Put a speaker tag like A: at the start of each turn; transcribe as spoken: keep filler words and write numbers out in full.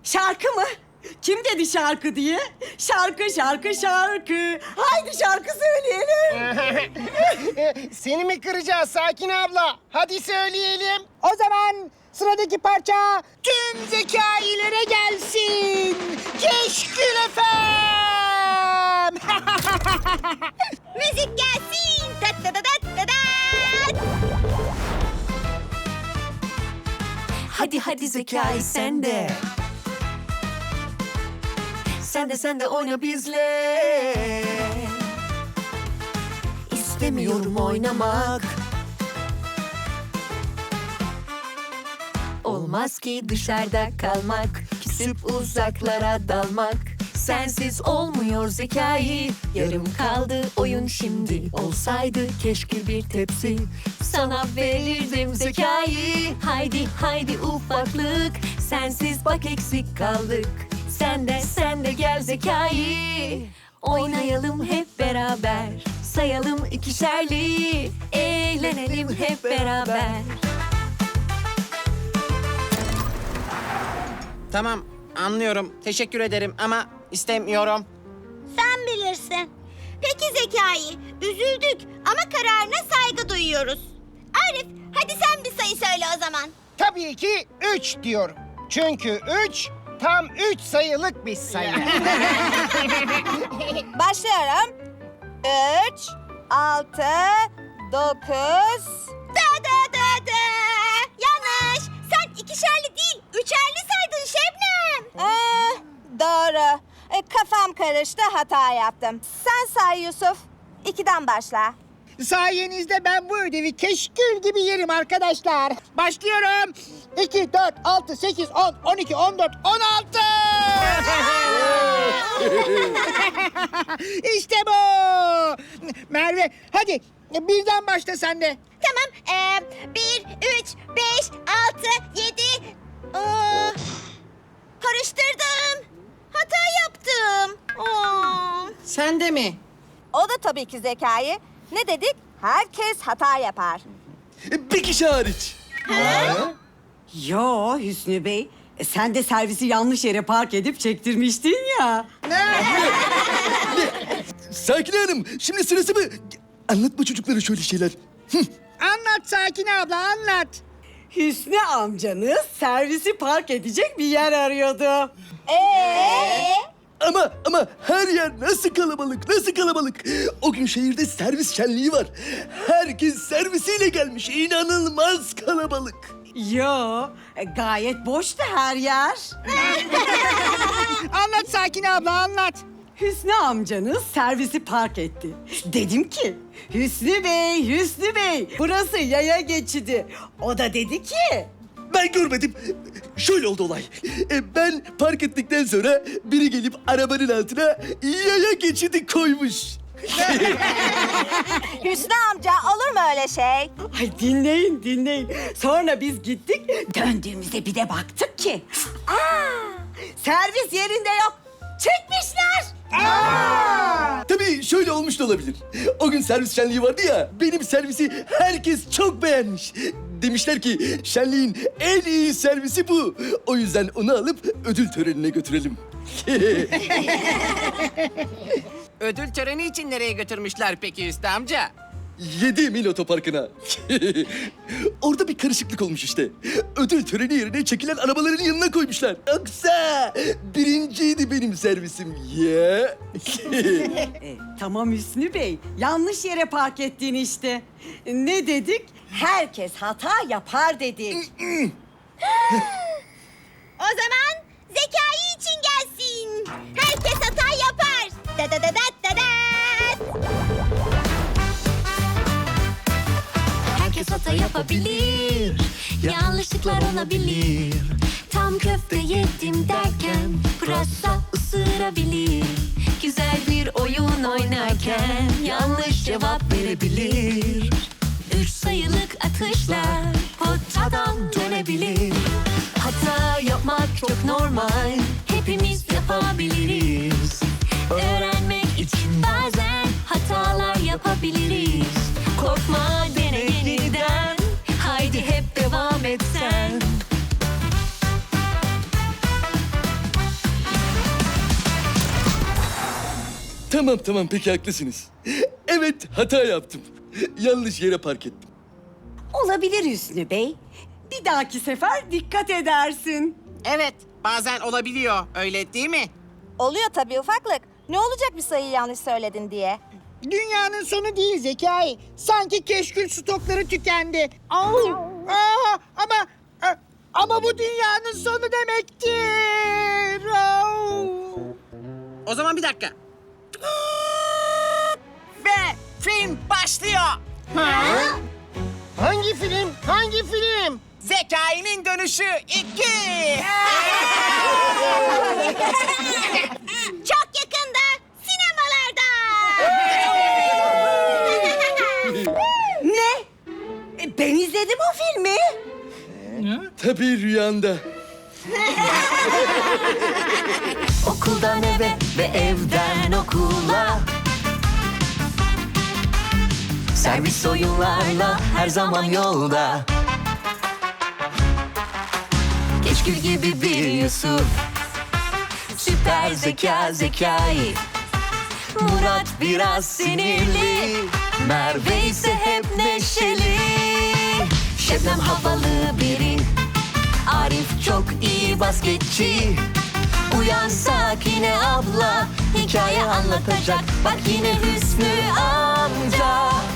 A: Şarkı mı? Kim dedi şarkı diye? Şarkı, şarkı, şarkı. Haydi şarkı söyleyelim.
B: Seni mi kıracağız Sakin abla? Hadi söyleyelim. O zaman sıradaki parça tüm zekailere gelsin. Keşkül efem.
C: Müzik gelsin. Tat tat tat tat tat.
D: Hadi hadi Zekai sen de. Sen de sen de oyna bizle. İstemiyorum oynamak. Olmaz ki dışarıda kalmak, küsüp uzaklara dalmak. Sensiz olmuyor Zekai. Yarım kaldı oyun şimdi. Olsaydı keşke bir tepsi sana verirdim Zekai. Haydi haydi ufaklık, sensiz bak eksik kaldık. Sen de sen de gel Zekai. Oynayalım hep beraber. Sayalım ikişerli. Eğlenelim hep beraber.
E: Tamam, anlıyorum. Teşekkür ederim ama istemiyorum.
C: Sen bilirsin. Peki Zekai, üzüldük ama kararına saygı duyuyoruz. Arif, hadi sen bir sayı söyle o zaman.
B: Tabii ki üç diyorum. Çünkü üç tam üç sayılık bir sayı.
F: Başlıyorum. Üç, altı, dokuz...
C: Da da da da. Yanlış. Sen ikişerli değil, üçerli saydın Şebnem.
F: Ee, doğru. Ee, kafam karıştı, hata yaptım. Sen say Yusuf. İkiden başla.
B: Sayenizde ben bu ödevi keşkül gibi yerim arkadaşlar. Başlıyorum. iki, dört, altı, sekiz, on, on iki, on dört, on altı. İşte bu. Merve hadi birden başla sen de.
C: Tamam. Ee, bir, üç, beş, altı, yedi. Aa, karıştırdım. Hata yaptım. Aa.
E: Sen de mi?
F: O da tabii ki Zekai. Ne dedik? Herkes hata yapar.
G: Bir kişi hariç.
A: Yo Hüsnü Bey, e, sen de servisi yanlış yere park edip çektirmiştin ya.
G: Sakin Hanım, şimdi sırası mı? Anlatma çocuklara şöyle şeyler.
B: Anlat Sakin abla anlat.
A: Hüsnü amcanız servisi park edecek bir yer arıyordu.
F: Ee?
G: Ama ama her yer nasıl kalabalık, nasıl kalabalık. O gün şehirde servis şenliği var. Herkes servisiyle gelmiş. İnanılmaz kalabalık.
A: Yo, e, gayet boştu her yer.
B: Anlat Sakin abla anlat.
A: Hüsnü amcanız servisi park etti. Dedim ki, Hüsnü Bey, Hüsnü Bey, burası yaya geçidi. O da dedi ki...
G: Ben görmedim. Şöyle oldu olay. E, ben park ettikten sonra biri gelip arabanın altına yaya geçidi koymuş.
F: Hüsnü amca olur mu öyle şey?
A: Ay dinleyin, dinleyin. Sonra biz gittik, döndüğümüzde bir de baktık ki... Aa, servis yerinde yok. Çekmişler.
G: Tabii şöyle olmuş da olabilir. O gün servis şenliği vardı ya, benim servisi herkes çok beğenmiş. Demişler ki şenliğin en iyi servisi bu. O yüzden onu alıp ödül törenine götürelim.
E: Ödül töreni için nereye götürmüşler peki Hüsnü amca?
G: Yedi Mil Otoparkı'na. Orada bir karışıklık olmuş işte. Ödül töreni yerine çekilen arabaların yanına koymuşlar. Yoksa birinciydi benim servisim ya.
A: E, tamam Hüsnü Bey, yanlış yere park ettin işte. Ne dedik? Herkes hata yapar dedik.
C: O zaman Zekai için gelsin. Herkes hata yapar. Da da da da da da.
D: Herkes hata yapabilir, yanlışlıklar olabilir. Tam köfte yedim derken pırasa ısırabilir. Güzel bir oyun oynarken yanlış cevap verebilir. Üç sayılık atışlar potadan dönebilir. Hata yapmak çok normal, hepimiz yapabiliriz. Öğrenmek için bazen hatalar yapabiliriz. Korkma, dene yeniden, haydi hep devam et sen.
G: Tamam tamam peki haklısınız. Evet hata yaptım. Yanlış yere park ettim.
A: Olabilir Hüsnü Bey. Bir dahaki sefer dikkat edersin.
E: Evet, bazen olabiliyor. Öyle değil mi?
F: Oluyor tabii ufaklık. Ne olacak bir sayıyı yanlış söyledin diye.
B: Dünyanın sonu değil Zekai. Sanki keşkül stokları tükendi. Au! Aa, ama a- ama bu dünyanın sonu demektir. Au!
E: O zaman bir dakika. Ve film başlıyor.
B: Hangi film? Hangi film?
E: Zekai'nin dönüşü iki.
C: Çok yakında sinemalarda.
A: Ne? E, Ben izledim o filmi.
G: Tabii rüyanda.
D: Okuldan eve ve evden okula, servis oyunlarla her zaman yolda. Keşkül gibi bir Yusuf, süper zeka Zekai. Murat biraz sinirli, Merve ise hep neşeli. Şebnem havalı biri, Arif çok iyi basketçi. Uyan Sakine abla, hikaye anlatacak. Bak yine Hüsnü amca.